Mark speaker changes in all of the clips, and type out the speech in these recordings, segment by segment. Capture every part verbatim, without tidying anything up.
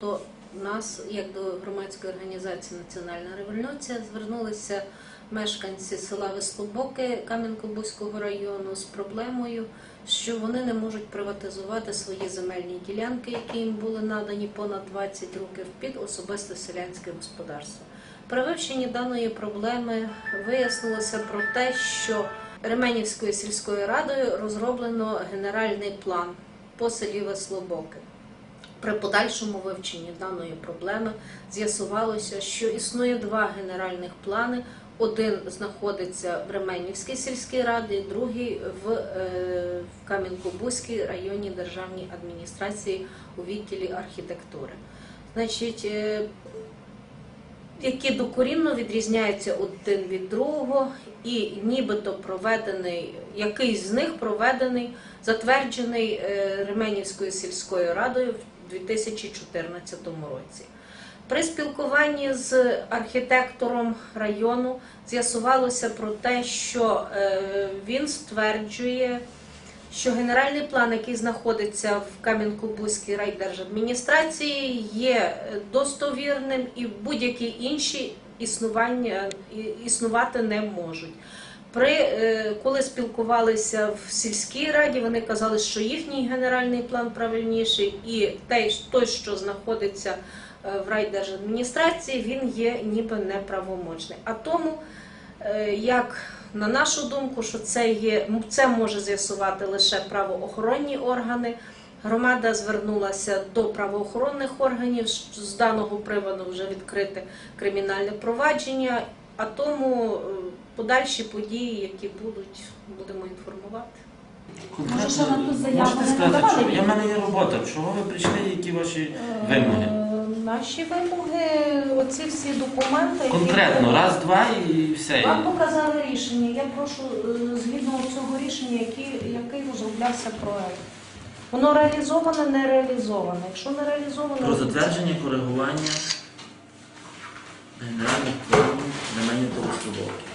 Speaker 1: До нас, як до громадської організації «Національна революція», звернулися мешканці села Вислобоки Кам'янко-Бузького району з проблемою, що вони не можуть приватизувати свої земельні ділянки, які їм були надані понад двадцять років, під особисте селянське господарство. При вивченні даної проблеми вияснилося про те, що Ременівською сільською радою розроблено генеральний план по селі Вислобоки. При подальшому вивченні даної проблеми з'ясувалося, що існує два генеральних плани. Один знаходиться в Ременівській сільській раді, другий в, е, в Кам'янко-Бузькій районній державній адміністрації у відділі архітектури. Значить, е, які докорінно відрізняються один від другого, і нібито проведений, якийсь з них проведений, затверджений е, Ременівською сільською радою в дві тисячі чотирнадцятому році. При спілкуванні з архітектором району з'ясувалося про те, що він стверджує, що генеральний план, який знаходиться в Кам'янко-Бузькій райдержадміністрації, є достовірним і будь-які інші існування, існувати не можуть. При, коли спілкувалися в сільській раді, вони казали, що їхній генеральний план правильніший, і той, що знаходиться в райдержадміністрації, він є ніби неправомочний. А тому, як на нашу думку, що це, є, це може з'ясувати лише правоохоронні органи, громада звернулася до правоохоронних органів, з даного приводу вже відкрите кримінальне провадження, а тому подальші події, які будуть, будемо інформувати.
Speaker 2: Можете сказати, що я в мене є робота, чого ви прийшли, які ваші вимоги?
Speaker 1: Наші вимоги, оці всі документи...
Speaker 2: Конкретно, які... раз, два і все.
Speaker 1: Вам показали рішення. Я прошу, згідно цього рішення, який, який розроблявся проект. Воно реалізоване, не реалізоване. Якщо не реалізоване...
Speaker 2: Про затвердження, коригування генеральних планів Ременівської Вислобоки.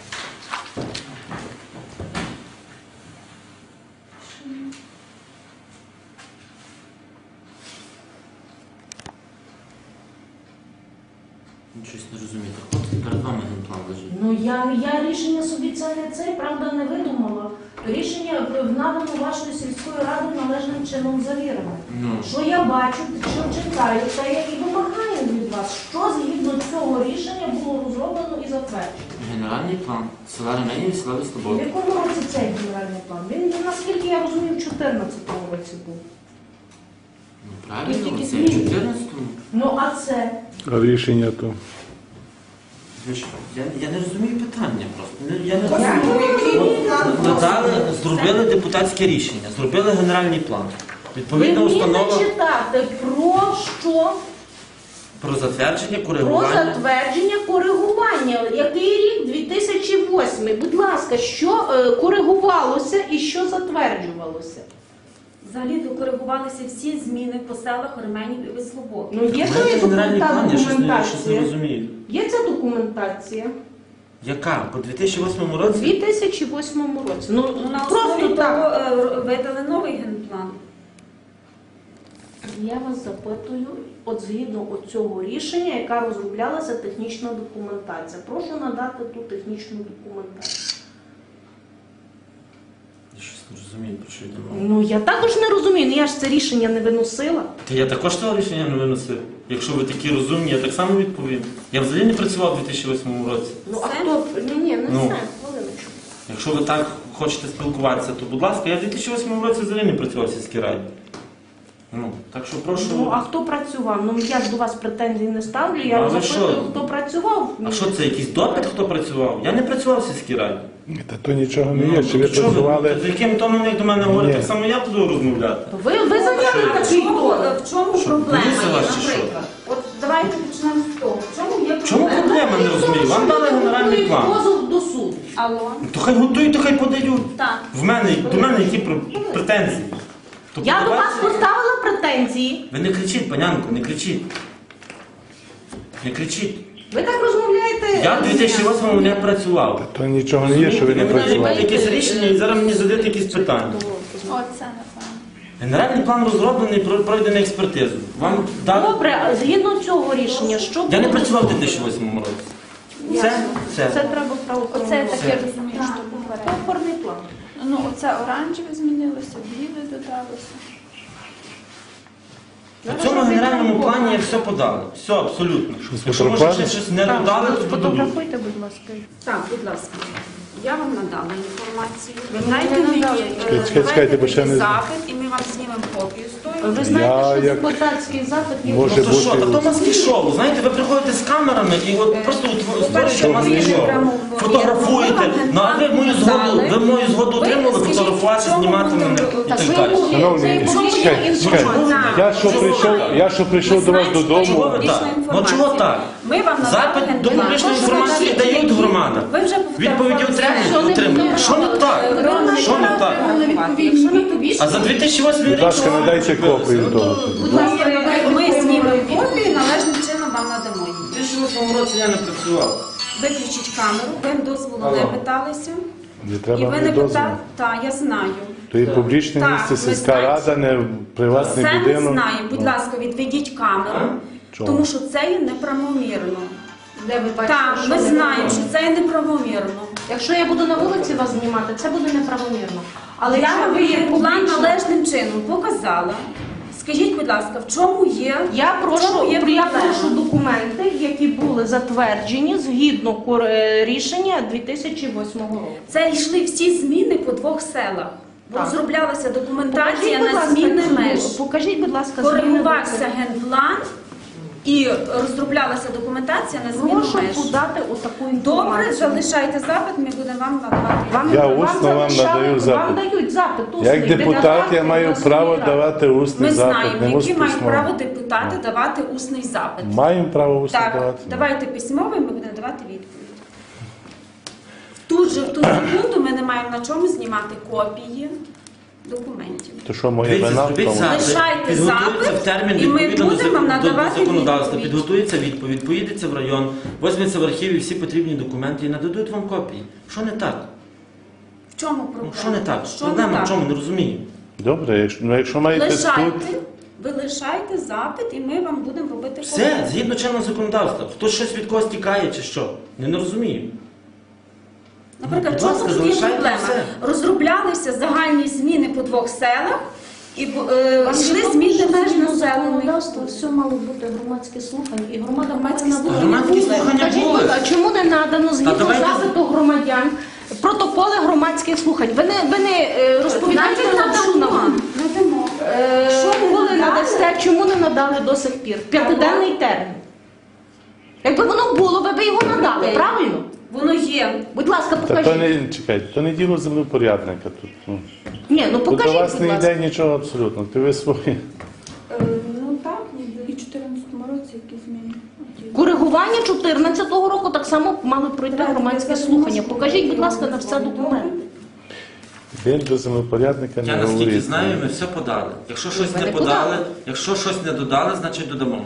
Speaker 2: Щось не розумієте. Хлопці, перед вами генплан лежить.
Speaker 1: Ну, я, я рішення собі це не це, правда, не видумала. Рішення надано вашою сільською радою належним чином завірене.
Speaker 2: Ну.
Speaker 1: Що я бачу, що читаю, це я і вимагаю від вас, що згідно цього рішення було розроблено і затверджено.
Speaker 2: Генеральний план села Ременів і села
Speaker 1: В
Speaker 2: Вислобоки.
Speaker 1: якому році цей генеральний план? Він, наскільки я розумію, в чотирнадцятому році був.
Speaker 2: Ну, правильно, це в чотирнадцятому.
Speaker 1: Ну, а це?
Speaker 3: А рішення то?
Speaker 2: Я, я не розумію питання просто. Я не розумію. Надали, зробили депутатське рішення, зробили генеральний план. Відповідна
Speaker 1: Ви
Speaker 2: установа...
Speaker 1: вмієте читати про що?
Speaker 2: Про затвердження,
Speaker 1: Про
Speaker 2: коригування.
Speaker 1: затвердження, коригування. Який рік? дві тисячі восьмий. Будь ласка, що е, коригувалося і що затверджувалося?
Speaker 4: Взагалі коригувалися всі зміни по селах Ременів і Вислобоки.
Speaker 1: Ну, є
Speaker 2: Це
Speaker 1: то
Speaker 2: генеральний план, я щось не, щось не
Speaker 1: документація.
Speaker 2: розумію.
Speaker 1: Є ця документація?
Speaker 2: Яка? По дві тисячі восьмому
Speaker 1: У
Speaker 2: році?
Speaker 1: дві тисячі восьмому році. Ну,
Speaker 4: Ну, на
Speaker 1: просто
Speaker 4: основі
Speaker 1: так.
Speaker 4: того е, видали новий генплан.
Speaker 1: Я вас запитую, от згідно цього рішення, яка розроблялася технічна документація. Прошу надати ту технічну документацію.
Speaker 2: Я щось не розумію, про що йде мова.
Speaker 1: Ну, я також не розумію, ну я ж це рішення не виносила.
Speaker 2: Та я також того рішення не виносив. Якщо ви такі розумні, я так само відповім. Я взагалі не працював у дві тисячі восьмому році.
Speaker 1: Ну, а
Speaker 4: Все?
Speaker 1: хто? Ні, ні, не
Speaker 2: Ну.
Speaker 1: все, хвилиночку.
Speaker 2: Якщо ви так хочете спілкуватися, то будь ласка, я в дві тисячі восьмому році взагалі не працював в сільській раді. Ну, так що прошу...
Speaker 1: Ну, а хто працював? Ну, я ж до вас претензій не ставлю,
Speaker 2: А
Speaker 1: я
Speaker 2: ви
Speaker 1: запитую,
Speaker 2: що?
Speaker 1: хто працював.
Speaker 2: А що це, якийсь допит, хто працював? Я не працював в сільській раді.
Speaker 3: Та то нічого не є, чи ви
Speaker 2: то чого
Speaker 3: працювали?
Speaker 2: З яким тоном як до мене говорить,
Speaker 3: Ні.
Speaker 2: так само я буду розмовляти.
Speaker 1: Ви, ви зайняли
Speaker 4: А
Speaker 1: такий
Speaker 4: в чому,
Speaker 1: тон.
Speaker 4: в чому
Speaker 2: Що,
Speaker 4: проблема
Speaker 2: боїться
Speaker 4: є,
Speaker 2: вас чи що?
Speaker 4: наприклад? От давайте почнемо з того. В чому є
Speaker 2: В чому
Speaker 4: проблема?
Speaker 2: проблема, не розумію? Вам дали генеральний план.
Speaker 1: Позов до суду.
Speaker 4: Алло?
Speaker 2: То хай готують, то хай подають.
Speaker 4: Так.
Speaker 2: В мене, до мене які пр- претензії? То
Speaker 1: Я до вас
Speaker 2: подавайте.
Speaker 1: поставила претензії.
Speaker 2: Ви не кричіть, панянко, не кричіть. Не кричіть.
Speaker 1: Ви так розмовляєте.
Speaker 2: Я в дві тисячі восьмому не працював.
Speaker 3: То нічого не є, що ви не
Speaker 2: Ви мені
Speaker 3: працювали.
Speaker 2: якесь рішення і зараз мені задаєте якісь питання.
Speaker 4: Оце, напевно.
Speaker 2: Генеральний план розроблений, про- пройдений експертизу. Вам дали...
Speaker 5: Добре, а згідно цього рішення, що
Speaker 2: Я не
Speaker 5: буде?
Speaker 2: працював у дві тисячі восьмому році. Це,
Speaker 5: Це
Speaker 2: це.
Speaker 5: треба правоохоронні.
Speaker 6: Оце
Speaker 5: органи.
Speaker 6: таке розумію, що попередньо.
Speaker 5: Опорний план.
Speaker 6: Ну, оце оранжеве змінилося, біле додалося.
Speaker 2: В цьому генеральному плані я все подали. Все, абсолютно. Якщо може ще щось не додали, то додадуть.
Speaker 5: Фотографуйте, будь ласка.
Speaker 4: Так, будь ласка. Я вам надала інформацію. Ви
Speaker 5: мені
Speaker 4: знаєте,
Speaker 5: не
Speaker 4: мені
Speaker 5: надали.
Speaker 4: е,
Speaker 3: Чекайте, чекайте, бо ще не-
Speaker 4: запит, і ми вам знімемо копію з тою.
Speaker 5: Ви знаєте,
Speaker 3: Я
Speaker 5: що
Speaker 3: як-
Speaker 5: депутатський запит є.
Speaker 3: Може
Speaker 2: Ну то що,
Speaker 3: бути-
Speaker 2: та то маски шоу. Знаєте, ви приходите з камерами і от просто утво- створюєте
Speaker 3: Що
Speaker 2: маски
Speaker 3: ви
Speaker 2: шоу.
Speaker 4: прямо
Speaker 2: Фотографуєте. Ну а ви мою згоду, ви мою згоду отримали фотографувати, знімати мене і так далі.
Speaker 3: Шановні, чекайте, чекайте. Я що прийшов, я що прийшов до вас
Speaker 2: Чого
Speaker 3: додому.
Speaker 2: ви так? Ну чого так?
Speaker 4: Ми вам надали
Speaker 2: Запит до
Speaker 4: генеральний
Speaker 2: публічної
Speaker 4: план.
Speaker 2: інформації дають громада.
Speaker 4: Ви вже
Speaker 2: Відповіді отримують, отримують. Що не так? Що не так? А за дві тисячі восьмий
Speaker 3: Будь
Speaker 2: рік
Speaker 3: ласка,
Speaker 2: що
Speaker 3: надайте
Speaker 2: робили?
Speaker 3: копію
Speaker 2: Ну,
Speaker 3: того.
Speaker 2: то-
Speaker 4: Будь ласка, ми- ми знімемо копію і належним чином вам надамо її.
Speaker 2: У дві тисячі восьмому році я не працював.
Speaker 4: Виключіть камеру, ви дозволу
Speaker 2: Алло.
Speaker 4: не питалися.
Speaker 3: Не
Speaker 4: І
Speaker 3: треба
Speaker 4: ви
Speaker 3: мені
Speaker 4: не
Speaker 3: дозволу.
Speaker 4: питали. Так, я знаю.
Speaker 3: То є публічне
Speaker 4: Так,
Speaker 3: місце,
Speaker 4: ми
Speaker 3: сільська
Speaker 4: знаємо.
Speaker 3: рада, не приватний
Speaker 4: Це ми
Speaker 3: будинок.
Speaker 4: знаємо. Будь
Speaker 3: Ну,
Speaker 4: ласка, відведіть камеру,
Speaker 3: чого?
Speaker 4: тому що це є неправомірно.
Speaker 5: Де ви бачите,
Speaker 4: Так,
Speaker 5: що
Speaker 4: ми
Speaker 5: не
Speaker 4: знаємо,
Speaker 5: було?
Speaker 4: що це є неправомірно.
Speaker 5: Якщо я буду на вулиці вас знімати, це буде неправомірно. Але
Speaker 4: Я
Speaker 5: якщо
Speaker 4: вам
Speaker 5: ви є
Speaker 4: її план
Speaker 5: публічно,
Speaker 4: належним чином показала. Скажіть, будь ласка, в чому є?
Speaker 5: я
Speaker 4: в
Speaker 5: прошу,
Speaker 4: чому є
Speaker 5: я
Speaker 4: проблема?
Speaker 5: прошу документи, які були затверджені згідно кор- е, рішення дві тисячі восьмого року.
Speaker 4: Це йшли всі зміни по двох селах.
Speaker 5: Так.
Speaker 4: Розроблялася документація
Speaker 5: Покажіть, будь
Speaker 4: на
Speaker 5: ласка,
Speaker 4: зміни
Speaker 5: цю-
Speaker 4: меж.
Speaker 5: Покажіть, будь ласка, зміни
Speaker 4: Коригувався
Speaker 5: до-
Speaker 4: генплан і розроблялася документація на зміну
Speaker 5: Прошу
Speaker 4: меж.
Speaker 5: подати отаку
Speaker 4: Добре,
Speaker 5: інформацію.
Speaker 4: залишайте запит, ми будемо вам надавати.
Speaker 5: Вам,
Speaker 3: Я
Speaker 5: вам
Speaker 3: усно вам
Speaker 5: залишали-
Speaker 3: надаю запит.
Speaker 5: Вам дають запит. усний.
Speaker 3: Як депутат я
Speaker 5: Депутати
Speaker 3: маю
Speaker 5: обласної
Speaker 3: право
Speaker 5: ради.
Speaker 3: давати усний
Speaker 4: Ми
Speaker 3: запит,
Speaker 4: знаємо,
Speaker 3: не
Speaker 4: які мають
Speaker 3: письмовий.
Speaker 4: право депутати давати усний запит.
Speaker 3: Маємо право усний
Speaker 4: Так,
Speaker 3: давати?
Speaker 4: давайте письмовий, ми будемо давати відповідь. Тут же в ту секунду ми не маємо на чому знімати копії документів.
Speaker 3: То що, моя
Speaker 2: Дивіться,
Speaker 3: вина в
Speaker 2: зробіть
Speaker 3: тому?
Speaker 2: запит,
Speaker 4: Лишайте
Speaker 2: підготується
Speaker 4: запит,
Speaker 2: в термін
Speaker 4: і ми
Speaker 2: відповідно до
Speaker 4: будемо
Speaker 2: зак- до
Speaker 4: надавати
Speaker 2: законодавства,
Speaker 4: відповідь.
Speaker 2: підготується відповідь, поїдеться в район, візьметься в архіві всі потрібні документи і нададуть вам копії. Що не так?
Speaker 4: В чому
Speaker 2: Ну,
Speaker 4: проблема?
Speaker 2: що не так?
Speaker 4: Що
Speaker 2: Проблема
Speaker 4: не
Speaker 2: в
Speaker 4: так?
Speaker 2: чому? Не розумію.
Speaker 3: Добре, якщо, ну, якщо маєте тут,
Speaker 4: Лишайте, ви лишайте запит, і ми вам будемо робити
Speaker 2: Все,
Speaker 4: копії.
Speaker 2: згідно чинного законодавства. Хтось щось від когось тікає чи що? Не, не розумію.
Speaker 4: Наприклад,
Speaker 2: Будь
Speaker 4: чому
Speaker 2: ласка,
Speaker 4: тут є
Speaker 2: залишайте
Speaker 4: проблема?
Speaker 2: все.
Speaker 4: Розроблялися загальні зміни по двох селах, і е,
Speaker 5: Вам
Speaker 4: йшли
Speaker 5: відомо,
Speaker 4: зміни
Speaker 5: що
Speaker 4: меж
Speaker 5: згідно
Speaker 4: населених.
Speaker 5: законодавства все мало бути громадське слухання, і громада
Speaker 4: Громадські
Speaker 5: повинна бути.
Speaker 4: слухання
Speaker 2: Громадські
Speaker 4: були.
Speaker 2: слухання
Speaker 5: Скажіть,
Speaker 2: були.
Speaker 5: будь ласка, чому не надано згідно
Speaker 2: давайте-
Speaker 5: запиту громадян протоколи громадських слухань? Ви не, ви не е, розповідаєте лапшу нам.
Speaker 4: Надамо.
Speaker 5: Е,
Speaker 4: Що ви
Speaker 5: коли
Speaker 4: надали?
Speaker 5: надасте, чому не надали до сих пір? П'ятиденний термін. Якби воно було, ви б його надали,
Speaker 4: Окей.
Speaker 5: правильно?
Speaker 4: Воно є.
Speaker 5: Будь ласка,
Speaker 3: та то
Speaker 5: покажіть.
Speaker 3: не чекайте, то не діло землепорядника тут. Ну.
Speaker 5: Ні, ну
Speaker 3: Тут до
Speaker 5: покажіть,
Speaker 3: вас
Speaker 5: будь
Speaker 3: не
Speaker 5: ласка.
Speaker 3: йде нічого абсолютно. Ти ви свої.
Speaker 6: Е, Ну так, і в чотирнадцятому році які зміни.
Speaker 5: Коригування чотирнадцятого року так само мали пройти громадське слухання. Покажіть, будь ласка, на все документи.
Speaker 3: Він до землепорядника
Speaker 2: Я
Speaker 3: не
Speaker 2: наскільки
Speaker 3: говорить.
Speaker 2: знаю, ми все подали. Якщо щось
Speaker 5: Ви
Speaker 2: не
Speaker 5: не
Speaker 2: подали,
Speaker 5: подали.
Speaker 2: якщо щось не додали, значить додамо.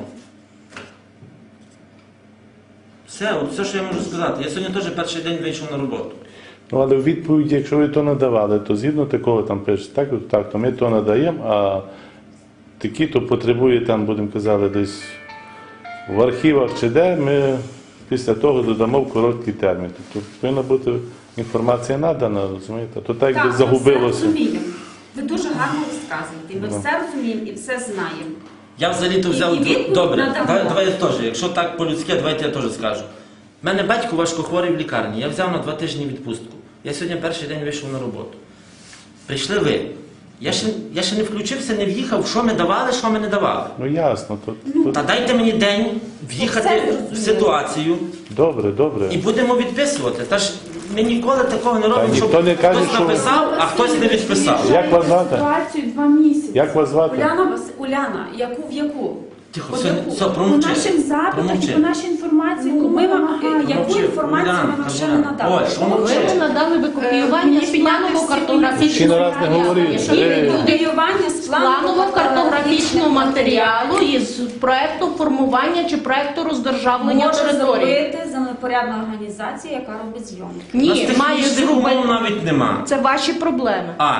Speaker 2: Все, от все, що я можу сказати. Я сьогодні теж перший день вийшов на роботу.
Speaker 3: Ну, але в відповіді, якщо ви то надавали, то згідно такого там пишете, так, от так, то ми то надаємо, а такі, то потребує там, будемо казати, десь в архівах чи де, ми після того додамо в короткий термін. Тобто повинна бути інформація надана, розумієте? То так, якби
Speaker 4: ми все
Speaker 3: загубилося.
Speaker 4: розуміємо. Ви дуже гарно розказуєте. Ми
Speaker 3: Ну.
Speaker 4: все розуміємо і все знаємо.
Speaker 2: Я взагалі-то взяв.
Speaker 4: І відповідь
Speaker 2: Добре,
Speaker 4: надамо.
Speaker 2: давай, давай я теж. Якщо так по-людськи, давайте я теж скажу. У мене батько важкохворий в лікарні. Я взяв на два тижні відпустку. Я сьогодні перший день вийшов на роботу. Прийшли ви. Я ще, я ще не включився, не в'їхав, що ми давали, що ми не давали.
Speaker 3: Ну ясно, то, то
Speaker 2: Та дайте мені день в'їхати в ситуацію
Speaker 3: добре, добре.
Speaker 2: і будемо відписувати. Та ж ми ніколи такого не робимо,
Speaker 3: ніхто
Speaker 2: щоб
Speaker 3: не каже,
Speaker 2: хтось
Speaker 3: що-
Speaker 2: написав, а хтось не відписав.
Speaker 3: Як вас звати?
Speaker 6: Ситуацію два місяці.
Speaker 3: Як вас звати?
Speaker 4: Уляна, Вас- Уляна, яку в яку?
Speaker 2: Тихо,
Speaker 4: От
Speaker 2: все,
Speaker 4: яку?
Speaker 2: все,
Speaker 6: По
Speaker 2: промовчи.
Speaker 6: нашим запитам і
Speaker 2: Промовчи.
Speaker 6: по нашій інформації,
Speaker 4: Ну,
Speaker 6: яку
Speaker 4: ми
Speaker 6: ми
Speaker 4: вам,
Speaker 6: вимагаємо.
Speaker 4: е, яку
Speaker 2: Мовчи,
Speaker 4: інформацію ми
Speaker 2: Уляна,
Speaker 4: вам ще не
Speaker 2: Уляна.
Speaker 4: надали?
Speaker 2: Ой, що
Speaker 5: Ви
Speaker 2: мовчи?
Speaker 5: не надали ви копіювання
Speaker 4: Мені
Speaker 5: з
Speaker 4: підняти всі
Speaker 3: Ще
Speaker 5: планово-картографічного
Speaker 3: раз не говоріть.
Speaker 5: Які
Speaker 3: Е.
Speaker 5: люди
Speaker 4: Копіювання з
Speaker 5: планово-картографічного матеріалу із проекту формування чи проекту роздержавлення
Speaker 4: може
Speaker 5: території.
Speaker 4: зробити землепорядна організація, яка робить зйомки.
Speaker 2: У нас
Speaker 5: Ні, має
Speaker 2: технічних умов
Speaker 5: зробити.
Speaker 2: навіть нема.
Speaker 5: Це ваші проблеми.
Speaker 2: А,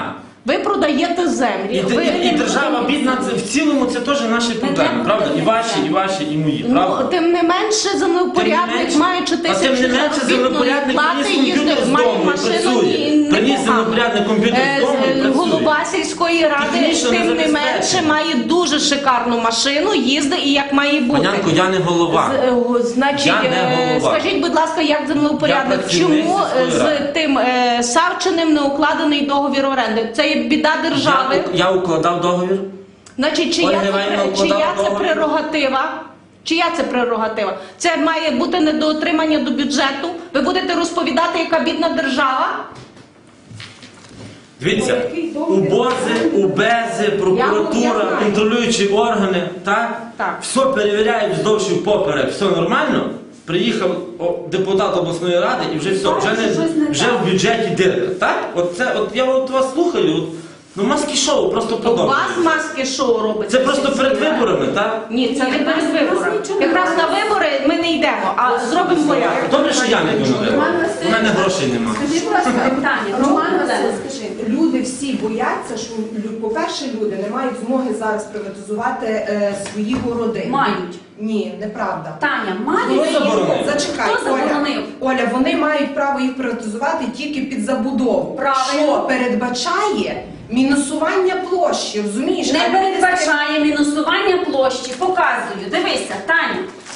Speaker 5: Ви продаєте землі.
Speaker 2: І,
Speaker 5: ви
Speaker 2: і, і держава бідна, це в цілому це теж наші проблеми, правда? І ваші, і ваші, і мої,
Speaker 5: Ну,
Speaker 2: правда?
Speaker 5: тим не менше, землепорядник
Speaker 2: менше-
Speaker 5: маючи
Speaker 2: а тим
Speaker 5: тисячу
Speaker 2: не менше
Speaker 5: заробітної
Speaker 2: землепорядник
Speaker 5: плати,
Speaker 2: приніс комп'ютер
Speaker 5: їздив,
Speaker 2: з
Speaker 5: має
Speaker 2: дому і
Speaker 5: машину
Speaker 2: працює.
Speaker 5: і
Speaker 2: Приніс
Speaker 5: непогано.
Speaker 2: землепорядник комп'ютер з
Speaker 5: Е,
Speaker 2: дому і
Speaker 5: з-
Speaker 2: працює.
Speaker 5: Голова сільської ради,
Speaker 2: Технічно
Speaker 5: тим не
Speaker 2: незабезпечений.
Speaker 5: менше, має дуже шикарну машину, їздить і як має бути.
Speaker 2: Панянко, я не голова.
Speaker 5: З- е, Значить,
Speaker 2: Я не
Speaker 5: е,
Speaker 2: голова.
Speaker 5: скажіть, будь ласка, як землеупорядник,
Speaker 2: Я працівник
Speaker 5: чому
Speaker 2: сільської
Speaker 5: з
Speaker 2: ради.
Speaker 5: тим е, Савчиним не укладений договір оренди? Це є біда держави.
Speaker 2: Я, я укладав договір.
Speaker 5: Значить, чия,
Speaker 2: Ольга
Speaker 5: це,
Speaker 2: Іванівна
Speaker 5: пре-
Speaker 2: укладала
Speaker 5: чия це
Speaker 2: договір.
Speaker 5: прерогатива? Чия це прерогатива? Це має бути недоотримання до бюджету. Ви будете розповідати, яка бідна держава?
Speaker 2: Дивіться,
Speaker 6: який договір?
Speaker 2: УБОЗи, УБЕЗи, прокуратура,
Speaker 5: Я знаю.
Speaker 2: контролюючі органи, так?
Speaker 5: Так.
Speaker 2: Все перевіряють вздовж і впоперек, все нормально. Приїхав о, депутат обласної ради і вже все, вже, не, вже в бюджеті дирка. Так? От це, от я от вас слухаю, от, ну маски шоу просто
Speaker 5: У вас
Speaker 2: продовжується.
Speaker 5: маски шоу робиться.
Speaker 2: Це просто перед виборами, так?
Speaker 5: Ні, це не
Speaker 4: Ні,
Speaker 5: перед
Speaker 4: нас- нас
Speaker 5: виборами.
Speaker 4: нічого не
Speaker 5: Якраз на
Speaker 4: робиться.
Speaker 5: вибори ми не йдемо, а зробимо порядок.
Speaker 2: Добре, що я не йду на вибори. У мене грошей немає.
Speaker 6: Скажіть, будь ласка,
Speaker 4: Питання.
Speaker 6: Роман
Speaker 4: Чому
Speaker 6: Васильович,
Speaker 4: Олена?
Speaker 6: скажи, люди всі бояться, що, лю- по-перше, люди не мають змоги зараз приватизувати е, свої городи.
Speaker 4: Мають.
Speaker 6: Ні, неправда.
Speaker 4: Таня,
Speaker 6: Вони
Speaker 4: мають.
Speaker 2: Хто заборонив?
Speaker 6: їх- Зачекай,
Speaker 4: Хто
Speaker 6: Оля.
Speaker 4: заборонив?
Speaker 6: Оля, вони мають право їх приватизувати тільки під забудову.
Speaker 4: Правильно.
Speaker 6: Що передбачає мінусування площі, розумієш?
Speaker 4: Не
Speaker 6: А люди
Speaker 4: передбачає мінусування площі. Показую. Дивися, Таня.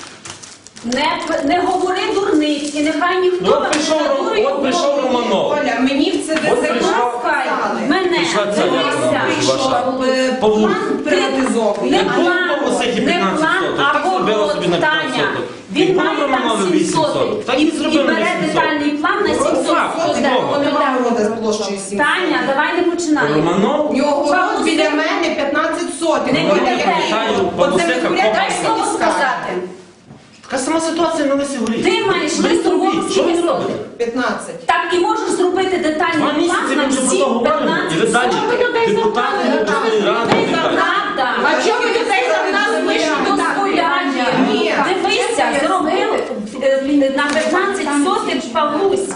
Speaker 4: Не, не говори дурниці, нехай ніхто
Speaker 2: Ну, от
Speaker 4: вам
Speaker 2: прийшов
Speaker 4: не
Speaker 2: Ром-
Speaker 4: надурить
Speaker 2: от прийшов
Speaker 4: голову.
Speaker 2: Романов.
Speaker 6: Оля, мені в це
Speaker 2: От
Speaker 6: ДЗК
Speaker 2: прийшов-
Speaker 6: сказали.
Speaker 4: Мене,
Speaker 2: Прийшла ця
Speaker 4: дивися.
Speaker 2: Яна.
Speaker 6: Прийшов е,
Speaker 2: Павлук.
Speaker 6: план приватизований.
Speaker 4: Не
Speaker 2: Як було
Speaker 4: план,
Speaker 2: в Павлусихі
Speaker 4: не
Speaker 2: п'ятнадцять
Speaker 4: план,
Speaker 2: соток,
Speaker 4: а
Speaker 2: так зробила собі на
Speaker 4: город,
Speaker 2: п'ятнадцять
Speaker 4: Таня.
Speaker 2: соток.
Speaker 4: Він
Speaker 2: І було
Speaker 4: має там
Speaker 2: Романові
Speaker 4: сім
Speaker 2: вісім
Speaker 4: соток.
Speaker 2: соток. Так і
Speaker 4: І
Speaker 2: зробили
Speaker 4: бере
Speaker 2: вісім соток.
Speaker 4: детальний план на сім
Speaker 2: Факт,
Speaker 4: соток.
Speaker 2: чудово.
Speaker 6: Немає города з площею сім.
Speaker 4: Таня, давай не починай.
Speaker 2: Романов?
Speaker 6: У нього город
Speaker 4: Павлусик.
Speaker 6: біля мене п'ятнадцять сотень.
Speaker 4: Не
Speaker 6: Оля,
Speaker 4: буде.
Speaker 6: який
Speaker 2: Пам'ятаю,
Speaker 6: город?
Speaker 2: Павлусика
Speaker 6: От землепорядник
Speaker 4: Дай слово
Speaker 6: скаже.
Speaker 4: сказати.
Speaker 2: Така сама ситуація на Лисі Горі.
Speaker 4: Ти маєш
Speaker 2: Беріть
Speaker 4: листу
Speaker 2: робіть.
Speaker 4: гору
Speaker 2: Що ви
Speaker 4: скільки
Speaker 2: робите?
Speaker 4: соток?
Speaker 6: п'ятнадцять.
Speaker 4: Так і можеш зробити
Speaker 2: Два
Speaker 4: детальний
Speaker 2: місяці
Speaker 4: план на
Speaker 2: ми вже про
Speaker 4: всі
Speaker 2: то говоримо. І ви далі
Speaker 4: п'ятнадцять соток.
Speaker 5: людей
Speaker 2: депутати
Speaker 5: забрали,
Speaker 2: обласної
Speaker 5: людей
Speaker 2: ради. і
Speaker 5: забрали.
Speaker 2: далі.
Speaker 4: Правда.
Speaker 5: А чому ви людей за нас лише
Speaker 4: Дозволяє.
Speaker 6: Ні.
Speaker 4: Дивися, зробив е, на п'ятнадцять сотих Павлусь.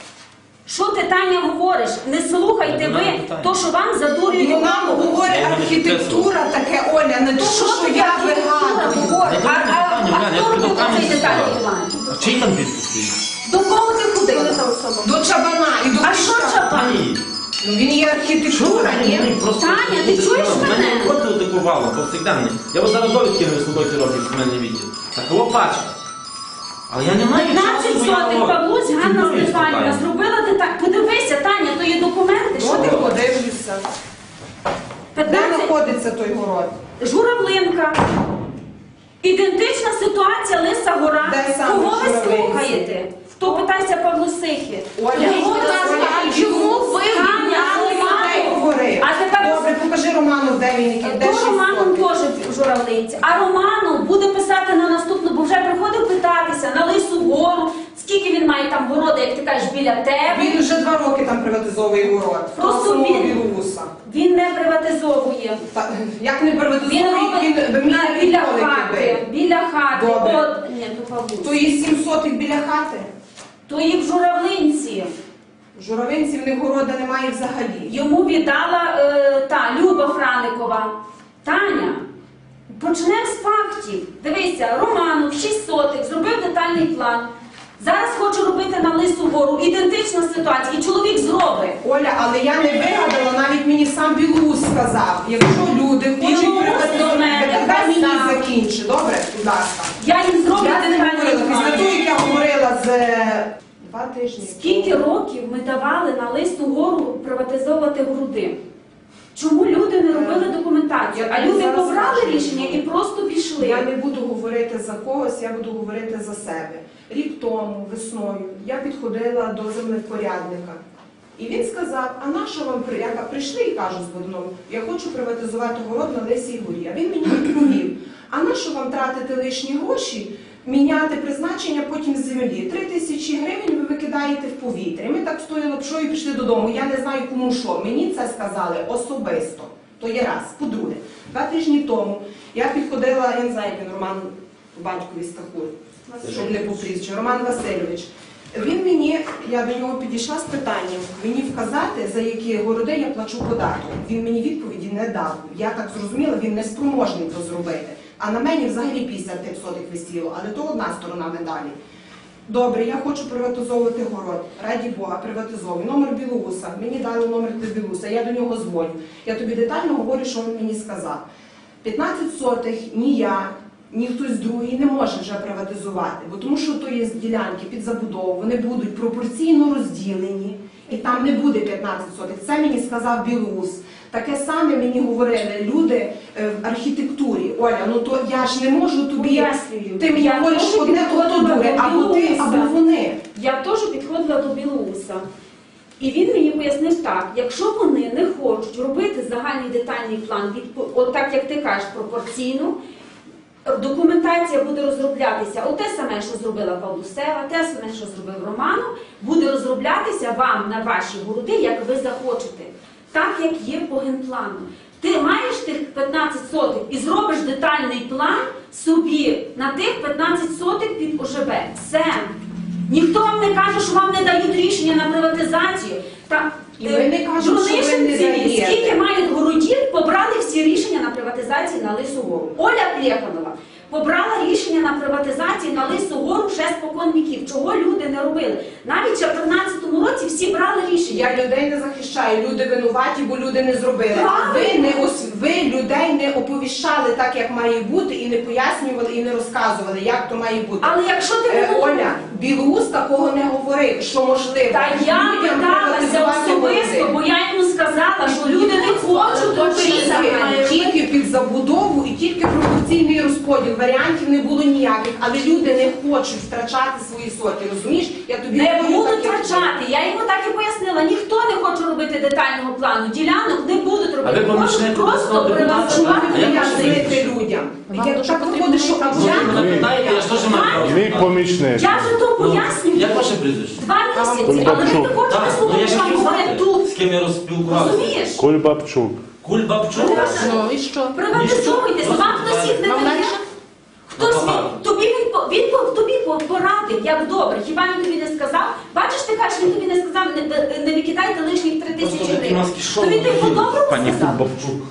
Speaker 4: Що ти, Таня, говориш? Не слухайте ви то, що вам задурюють
Speaker 6: Ну нам
Speaker 4: голову.
Speaker 6: говорить архітектура таке, Оля, не то,
Speaker 4: Що
Speaker 6: що
Speaker 4: ти
Speaker 6: я
Speaker 4: архітектура
Speaker 6: вигадую.
Speaker 4: говориш? А, а,
Speaker 2: Таня,
Speaker 4: а
Speaker 2: я
Speaker 4: хто
Speaker 2: тобі
Speaker 4: робив
Speaker 2: до камінь
Speaker 4: цей детальний
Speaker 2: сказав.
Speaker 4: план?
Speaker 2: А чий там підпис стоїть?
Speaker 4: До кого ти ходив?
Speaker 6: До чабана і до
Speaker 4: А що
Speaker 6: Киша.
Speaker 4: чапан?
Speaker 2: Тані,
Speaker 6: Ну він є архітектура, ні?
Speaker 2: просто...
Speaker 4: Таня, ти чуєш мене?
Speaker 2: Мене виходили таку валу, повсякденний. Я от зараз довідки на висловоті роблю в мене відділ. Такого пачка. Але я не маю
Speaker 4: п'ятнадцять
Speaker 2: часу, бо я
Speaker 4: сотих
Speaker 2: говорю.
Speaker 4: Павлусь Ганна
Speaker 2: Чудові
Speaker 4: Стефанівна
Speaker 2: питання.
Speaker 4: зробила деталь. Подивися, Таня, то є документи. Що
Speaker 6: От
Speaker 4: ти
Speaker 6: і
Speaker 4: хочеш?
Speaker 6: подивлюся. Де
Speaker 4: п'ятнадцять
Speaker 6: знаходиться той город?
Speaker 4: Журавлинка. Ідентична ситуація Лиса Гора.
Speaker 6: Де саме
Speaker 4: Кого ви
Speaker 6: Журавлинці?
Speaker 4: слухаєте? Хто питається Павлусихи?
Speaker 6: Оля,
Speaker 4: Кого ви
Speaker 6: будь ласка,
Speaker 4: слухаєте?
Speaker 5: а чому ви
Speaker 4: Таня,
Speaker 5: відняли
Speaker 6: Де
Speaker 4: Романов?
Speaker 6: говорив?
Speaker 4: А тепер
Speaker 6: Добре, покажи Роману, де він, який, де
Speaker 4: То
Speaker 6: шість
Speaker 4: Романом
Speaker 6: сотень.
Speaker 4: теж в Журавлинці. А Романов буде писати на наступну, бо вже приходив питатися на Лису Гору. Скільки він має там городу, як ти кажеш, біля тебе?
Speaker 6: Він вже два роки там приватизовує город.
Speaker 4: Просто
Speaker 6: Самого
Speaker 4: він-
Speaker 6: Білоуса.
Speaker 4: Він не приватизовує.
Speaker 6: Та, як не
Speaker 4: Він
Speaker 6: приватизовує,
Speaker 4: робить
Speaker 6: він
Speaker 4: на-
Speaker 6: мені
Speaker 4: біля
Speaker 6: ніколи
Speaker 4: хати.
Speaker 6: кидає.
Speaker 4: Біля хати.
Speaker 6: Добре.
Speaker 4: От, ні, то Павлусь.
Speaker 6: То є сім сотих біля хати.
Speaker 4: То і в Журавлинці.
Speaker 6: В Журавинці в них города немає взагалі.
Speaker 4: Йому віддала е, та Люба Франикова. Таня, почнемо з фактів. Дивися, Романов, шість сотих, зробив детальний план. Зараз хочу робити на Лису Гору. Ідентична ситуація. І чоловік зробить.
Speaker 6: Оля, але я не вигадала, навіть мені сам Білоус сказав. Якщо люди хочуть
Speaker 4: Білоус
Speaker 6: приватизувати,
Speaker 4: до мене
Speaker 6: дай мені
Speaker 4: казав.
Speaker 6: закінчи, добре? Будь ласка.
Speaker 4: Я їм зроблю
Speaker 6: Я не
Speaker 4: детальний
Speaker 6: говорила, після
Speaker 4: план.
Speaker 6: того, як я говорила з е, два тижні.
Speaker 4: Скільки років ми давали на Лису Гору приватизовувати груди? Чому люди не робили документацію? А люди
Speaker 6: Зараз
Speaker 4: побрали
Speaker 6: скажу.
Speaker 4: рішення і просто пішли.
Speaker 6: Я не буду говорити за когось, я буду говорити за себе. Рік тому, весною, я підходила до землепорядника. І він сказав, а на що вам при- я ка- прийшли і кажу з Бодуном, я хочу приватизувати город на Лисій Горі. А він мені відповів, а на що вам тратити лишні гроші, міняти призначення потім землі? Три тисячі гривень ви викидаєте в повітря. Ми так стояли пшою і пішли додому. Я не знаю кому що. Мені це сказали особисто. То є раз. По-друге, два тижні тому я підходила, я не знаю, як він Роман батькові Стахур, щоб не по прізвищу, Роман Васильович. Він мені, я до нього підійшла з питанням, мені вказати, за які городи я плачу податок. Він мені відповіді не дав. Я так зрозуміла, він не спроможний то зробити. А на мені взагалі п'ятдесят сотих висіло, але то одна сторона медалі. Добре, я хочу приватизовувати город. Раді Бога, приватизовую. Номер Білоуса. Мені дали номер для Білоуса. Я до нього дзвоню. Я тобі детально говорю, що він мені сказав. п'ятнадцять сотих ні я, ні хтось другий не може вже приватизувати, бо тому що то є ділянки під забудову, вони будуть пропорційно розділені, і там не буде п'ятнадцять сотих. Це мені сказав Білоус. Таке саме мені говорили люди в архітектурі. Оля, ну то я ж не можу тобі...
Speaker 4: Пояснюю.
Speaker 6: Ти мені
Speaker 4: Я
Speaker 6: говориш
Speaker 4: теж
Speaker 6: одне, то
Speaker 4: підходила
Speaker 6: друге,
Speaker 4: до
Speaker 6: або ти,
Speaker 4: Білоуса.
Speaker 6: або вони.
Speaker 4: Я теж підходила до Білоуса. І він мені пояснив так, якщо вони не хочуть робити загальний детальний план, від, от так як ти кажеш, пропорційно, документація буде розроблятися, оте саме, що зробила Павлусева, те саме, що зробив Романов, буде розроблятися вам на ваші городи, як ви захочете. Так, як є по генплану. Ти маєш тих п'ятнадцять сотих і зробиш детальний план собі на тих п'ятнадцять сотих під О Ж Б. Все. Ніхто вам не каже, що вам не дають рішення на приватизацію. Та,
Speaker 6: І ви не кажете, що ви не
Speaker 4: Журналістці,
Speaker 6: даєте.
Speaker 4: скільки мають городів, побрали всі рішення на приватизацію на Лису Гору. Оля Плєханова побрала рішення на приватизацію на Лису Гору ще спокон віків. Чого люди не робили? Навіть ще в тринадцятому році всі брали рішення.
Speaker 6: Я людей не захищаю, люди винуваті, бо люди не зробили. А ви,
Speaker 4: Правильно.
Speaker 6: не ос... ви людей не оповіщали так, як має бути, і не пояснювали, і не розказували, як то має бути.
Speaker 4: Але якщо ти
Speaker 6: Е,
Speaker 4: не
Speaker 6: Оля, Білоус такого не говорив, що можливо.
Speaker 4: Та я
Speaker 6: людям
Speaker 4: питалася
Speaker 6: приватизувати
Speaker 4: особисто,
Speaker 6: городи.
Speaker 4: бо я йому сказала, що люди не хочуть робити.
Speaker 6: Тільки, тільки під забудову і тільки пропорційний розподіл. Варіантів не було ніяких, але люди не хочуть втрачати свої соки, розумієш? Я тобі
Speaker 4: Не
Speaker 6: говорю
Speaker 4: будуть
Speaker 6: так, як
Speaker 4: втрачати. Я йому так і пояснила. Ніхто не хоче робити детального плану. Ділянок не будуть
Speaker 2: А
Speaker 4: робити.
Speaker 2: ви помічник
Speaker 4: Хочуть просто
Speaker 2: обласного депутата?
Speaker 4: приватизувати.
Speaker 2: А як ваше
Speaker 6: пояснити
Speaker 2: прізвище?
Speaker 6: людям.
Speaker 5: Вам
Speaker 6: Як
Speaker 5: дуже
Speaker 6: так
Speaker 5: потрібно
Speaker 6: виходить, що
Speaker 2: Ну, ви
Speaker 6: або
Speaker 2: мене питаєте, я ж теж маю
Speaker 3: Мій
Speaker 2: право.
Speaker 3: помічник.
Speaker 4: Я ж то
Speaker 2: Ну,
Speaker 4: пояснюю.
Speaker 2: як ваше прізвище?
Speaker 4: Два місяці, але ви не
Speaker 3: Кульбабчук.
Speaker 4: хочете
Speaker 2: Так, ну
Speaker 4: слухати,
Speaker 2: я ж
Speaker 4: що вам
Speaker 2: хотів
Speaker 4: говорять
Speaker 2: знати,
Speaker 4: тут.
Speaker 2: з ким я розспілкувався.
Speaker 4: Розумієш?
Speaker 3: Кульбабчук.
Speaker 2: Кульбабчук?
Speaker 5: Ну і що?
Speaker 4: Приватизуйтесь, вам хтось їх не
Speaker 5: Вам
Speaker 4: дає.
Speaker 5: дальше?
Speaker 4: Хтось
Speaker 2: Ну,
Speaker 4: він,
Speaker 2: багато.
Speaker 4: тобі він, по- він по- тобі по- порадив, як добре. Хіба він тобі не сказав? Бачиш, ти кажеш, він тобі не сказав, не, не викидайте лишніх три
Speaker 2: Просто
Speaker 4: тисячі
Speaker 2: такі
Speaker 4: гривень.
Speaker 2: маски шоу.
Speaker 4: То він тобі по-доброму
Speaker 2: Пані
Speaker 4: сказав.
Speaker 2: Кульбабчук.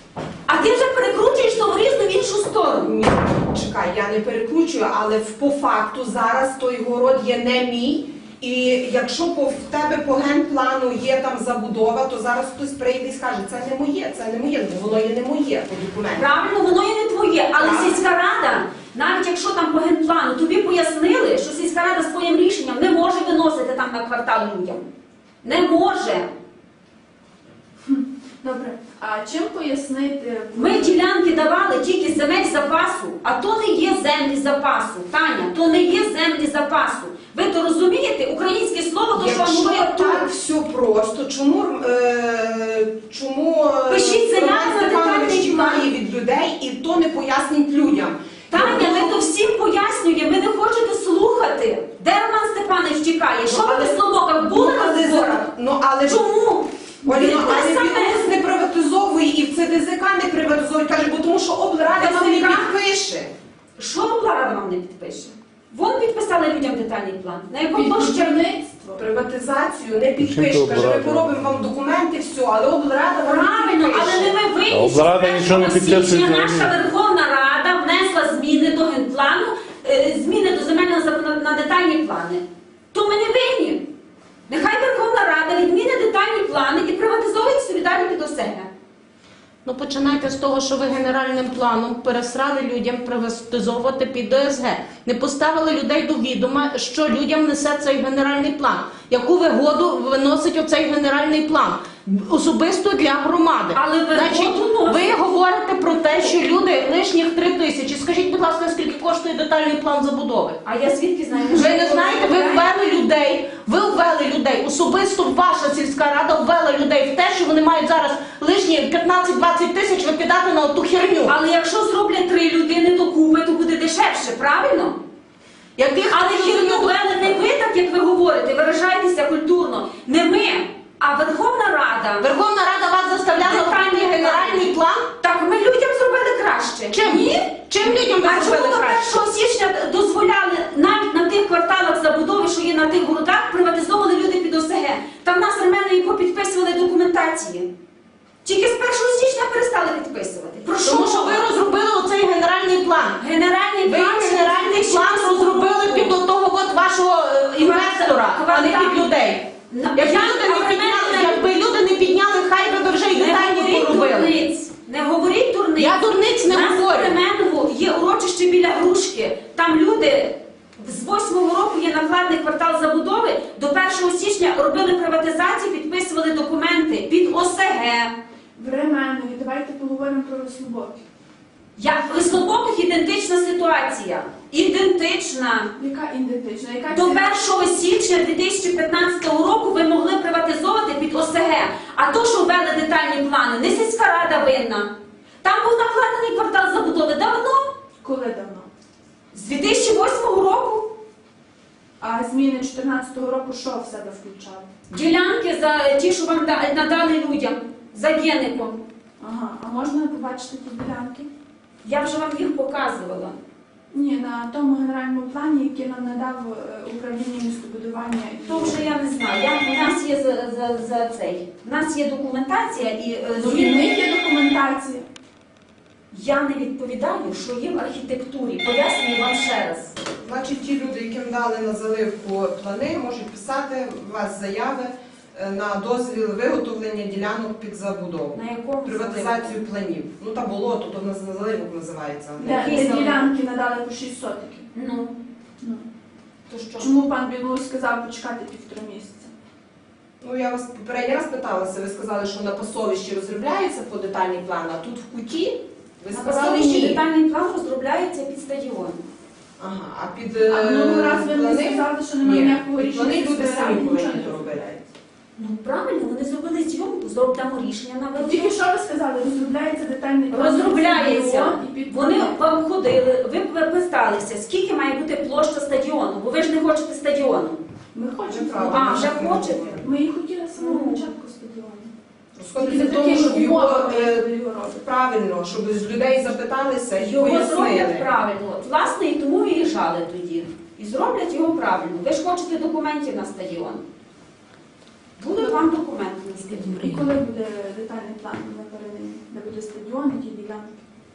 Speaker 4: А ти вже перекручуєш то в різну в іншу сторону.
Speaker 6: Ні, чекай, я не перекручую, але в- по факту зараз той город є не мій. І якщо по, в тебе по генплану є там забудова, то зараз хтось прийде і скаже, це не моє, це не моє, ну воно є не моє по документах.
Speaker 4: Правильно, воно і не твоє, але
Speaker 6: Так.
Speaker 4: сільська рада, навіть якщо там по генплану, тобі пояснили, що сільська рада своїм рішенням не може виносити там на квартал людям. Не може.
Speaker 7: Добре, а чим пояснити?
Speaker 4: Ми ділянки давали тільки з земель запасу, а то не є землі запасу. Таня, то не є землі запасу. Ви то розумієте? Українське слово, то що вам
Speaker 6: Якщо
Speaker 4: говорять тут.
Speaker 6: так все просто, чому, е, чому е,
Speaker 4: Пишіть заяву
Speaker 6: Роман
Speaker 4: на
Speaker 6: Степанович
Speaker 4: детальний план.
Speaker 6: тікає від людей і то не пояснить людям?
Speaker 4: Таня, ми то всім пояснюємо, ви не хочете слухати. Де Роман Степанович тікає? Що ви в Слобоках були
Speaker 6: Ну,
Speaker 4: на
Speaker 6: але
Speaker 4: зборах?
Speaker 6: за- Ну, але ж
Speaker 4: Чому?
Speaker 6: Оля,
Speaker 4: Він
Speaker 6: ну,
Speaker 4: те
Speaker 6: але
Speaker 4: саме.
Speaker 6: Білоус не приватизовує і в Це Де Зе Ка не приватизує. Каже, бо тому що облрада
Speaker 4: Де
Speaker 6: вам не
Speaker 4: Зе Ка?
Speaker 6: підпише.
Speaker 4: Що облрада вам не підпише? Вон підписали людям детальний план. На якому площі?
Speaker 7: Підбудівництво.
Speaker 6: Приватизацію не підпише.
Speaker 3: Чим то
Speaker 6: Каже, ми
Speaker 3: облрада?
Speaker 6: поробимо вам документи, все, але облрада вам
Speaker 4: Правильно,
Speaker 6: не
Speaker 4: але не
Speaker 6: підпише.
Speaker 4: ви винні.
Speaker 3: А облрада
Speaker 4: що
Speaker 3: нічого не
Speaker 4: першого
Speaker 3: підписує
Speaker 4: січня
Speaker 3: взагалі.
Speaker 4: Наша Верховна Рада внесла зміни до генплану, е, зміни до земельного закону на детальні плани. То ми не винні. Нехай Верховна Рада відміни детальні плани і приватизовує собі далі під себе.
Speaker 5: Ну починайте з того, що ви генеральним планом пересрали людям приватизовувати під О С Г. Не поставили людей до відома, що людям несе цей генеральний план. Яку вигоду виносить оцей генеральний план? Особисто для громади.
Speaker 4: Але вигоду
Speaker 5: Значить,
Speaker 4: носить.
Speaker 5: ви говорите про те, що люди лишніх три тисячі. Скажіть, будь ласка, скільки коштує детальний план забудови?
Speaker 4: А я звідки знаю?
Speaker 5: Ви не знаєте, ви ввели людей, ви ввели людей, особисто ваша сільська рада ввела людей в те, що вони мають зараз лишні п'ятнадцять-двадцять тисяч викидати на оту херню.
Speaker 4: Але якщо зроблять три людини докупи, то буде дешевше, правильно?
Speaker 5: Яких
Speaker 4: Але хірню ввели не ви, так як ви говорите, виражайтеся культурно. Не ми, а Верховна Рада.
Speaker 5: Верховна Рада вас заставляла прийняти генеральний план?
Speaker 4: Так ми людям зробили краще.
Speaker 5: Чим?
Speaker 4: Ні?
Speaker 5: Чим людям ви
Speaker 4: А чому
Speaker 5: зробили
Speaker 4: до
Speaker 5: краще?
Speaker 4: першого січня дозволяли навіть на тих кварталах забудови, що є на тих городах приватизовували люди під О С Г. Там нас ременної попідписували документації. Тільки з першого січня перестали підписувати. Про що?
Speaker 5: Тому що ви розробили оцей генеральний план.
Speaker 4: Генеральний
Speaker 5: Ви
Speaker 4: план
Speaker 5: генеральний план розробили під того от вашого е, інвестора, а не під людей.
Speaker 4: На-
Speaker 5: Якби
Speaker 4: Я-
Speaker 5: люди не
Speaker 4: а
Speaker 5: підняли,
Speaker 4: мене-
Speaker 5: якби люди не підняли, хай би ви вже й
Speaker 4: Не
Speaker 5: детальні
Speaker 4: говоріть
Speaker 5: поробили.
Speaker 4: дурниць. Не говоріть дурниць.
Speaker 5: Я дурниць не
Speaker 4: У нас
Speaker 5: говорю.
Speaker 4: в Кременову є урочище біля Грушки. Там люди з восьмого року є накладний квартал забудови. До першого січня робили приватизацію, підписували документи під О С Г.
Speaker 7: В Ременові, давайте поговоримо про Веслобоки.
Speaker 4: Як в Вислобоках ідентична ситуація. Ідентична.
Speaker 7: Яка ідентична? Яка
Speaker 4: До
Speaker 7: ціна?
Speaker 4: першого січня дві тисячі п'ятнадцятого року ви могли приватизовувати під О С Г. А то, що ввели детальні плани, не сільська рада винна. Там був накладений квартал забудови давно,
Speaker 7: Коли давно?
Speaker 4: з дві тисячі восьмого року.
Speaker 7: А зміни чотирнадцятого року що в себе включали?
Speaker 4: Ділянки за ті, що вам да- надали людям, за геником.
Speaker 7: Ага, а можна побачити ті ділянки?
Speaker 4: Я вже вам їх показувала.
Speaker 7: Ні, на тому генеральному плані, який нам надав е, управління містобудування. і-
Speaker 4: То вже я не знаю. Я, у нас є за, за, за цей. У нас є документація і е,
Speaker 7: Ну, і в
Speaker 4: згідно-
Speaker 7: них є документація.
Speaker 4: Я не відповідаю, що є в архітектурі. Пояснюю вам ще раз.
Speaker 6: Значить, ті люди, яким дали на заливку плани, можуть писати у вас заяви е, на дозвіл виготовлення ділянок під забудову.
Speaker 4: На якому
Speaker 6: Приватизацію планів. Ну та болото, то в нас на заливок називається.
Speaker 7: Де,
Speaker 4: Який
Speaker 7: де
Speaker 4: саме?
Speaker 7: ділянки надали по шість сотиків.
Speaker 4: Ну,
Speaker 7: Ну.
Speaker 4: то що?
Speaker 7: Чому пан Білоус сказав почекати півтора місяця?
Speaker 6: Ну я вас попередній раз питалася, ви сказали, що на пасовищі розробляється по детальний план, а тут в куті ви
Speaker 4: На
Speaker 6: сказали
Speaker 4: пасовищі
Speaker 6: ні.
Speaker 4: детальний план розробляється під стадіон.
Speaker 6: Ага, а під
Speaker 7: А минулого разу ви мені
Speaker 6: плани?
Speaker 7: сказали, що немає
Speaker 6: Ні,
Speaker 7: ніякого
Speaker 6: під
Speaker 7: рішення.
Speaker 6: плани люди
Speaker 7: сільської
Speaker 6: самі
Speaker 7: ради, нічого
Speaker 6: повинні
Speaker 7: не
Speaker 6: то робити.
Speaker 7: розробляється.
Speaker 4: Ну правильно, вони зробили зйомку, зробимо рішення на
Speaker 7: Тільки
Speaker 4: виробництво.
Speaker 7: що ви сказали, розробляється детальний план.
Speaker 4: Розробляється.
Speaker 7: стадіон і під
Speaker 4: Вони
Speaker 7: плани.
Speaker 4: вам ходили, ви питалися, скільки має бути площа стадіону, бо ви ж не хочете стадіону.
Speaker 7: Ми хочемо.
Speaker 6: Правда.
Speaker 4: А, вже хочете?
Speaker 7: Ми її хотіли з самого
Speaker 4: Ну.
Speaker 7: початку стадіону.
Speaker 6: Розходиться
Speaker 7: Тільки
Speaker 6: в тому,
Speaker 7: за
Speaker 6: щоб
Speaker 7: такими
Speaker 6: його
Speaker 7: умовами,
Speaker 6: е,
Speaker 7: як ви його робите.
Speaker 6: правильно, щоб з людей запиталися і
Speaker 4: Його зроблять
Speaker 6: пояснили.
Speaker 4: правильно. От, власне, і тому виїжджали тоді. І зроблять його правильно. Ви ж хочете документів на стадіон. Будуть вам документи на стадіон.
Speaker 7: І коли буде детальний план на передані, де буде стадіон, які ділянки?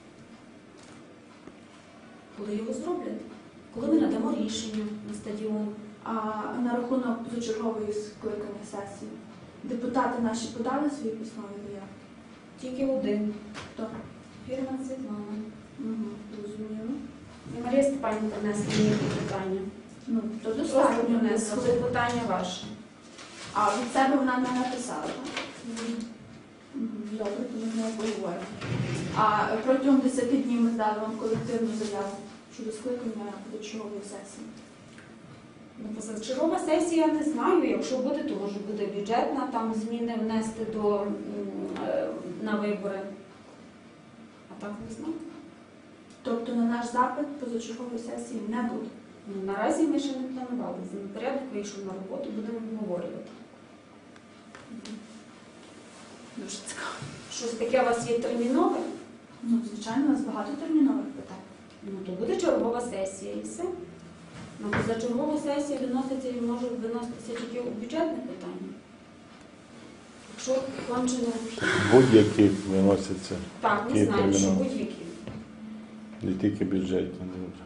Speaker 4: Коли його зроблять? Коли ми надамо рішення на стадіон.
Speaker 7: А на рахунок позачергової скликання сесії, депутати наші подали свої письмові заявки?
Speaker 4: Тільки один.
Speaker 7: Хто?
Speaker 4: Фірма Світлана.
Speaker 7: Угу, зрозуміло.
Speaker 4: І Марія Степанівна принесла мені питання.
Speaker 7: Ну, то
Speaker 4: Просто
Speaker 7: достатньо.
Speaker 4: принесла. Це питання ваше.
Speaker 7: А від себе вона не написала, так? Мгм, добре, то ми з нею поговоримо. А протягом десяти днів ми здали вам колективну заяву щодо скликання позачергової сесії.
Speaker 4: Ну, позачергова сесія, я не знаю. Якщо буде, то може буде бюджетна, там зміни внести до, м, е, на вибори. А так не знаю.
Speaker 7: Тобто на наш запит позачергової сесії не буде.
Speaker 4: Ну, наразі ми ще не планували. Порядок вийшов на роботу, будемо обговорювати.
Speaker 7: Дуже цікаво.
Speaker 4: Щось таке у вас є термінове?
Speaker 7: Ну, звичайно, у нас багато термінових питань.
Speaker 4: Ну, то буде чергова сесія і все. На позачергову сесію виноситься і може виноситися тільки у бюджетне питання. Якщо кончено,
Speaker 3: Будь-які виносяться,
Speaker 4: так, не
Speaker 3: Які
Speaker 4: знаю, що
Speaker 3: термінові?
Speaker 4: будь-які.
Speaker 3: не тільки бюджетні.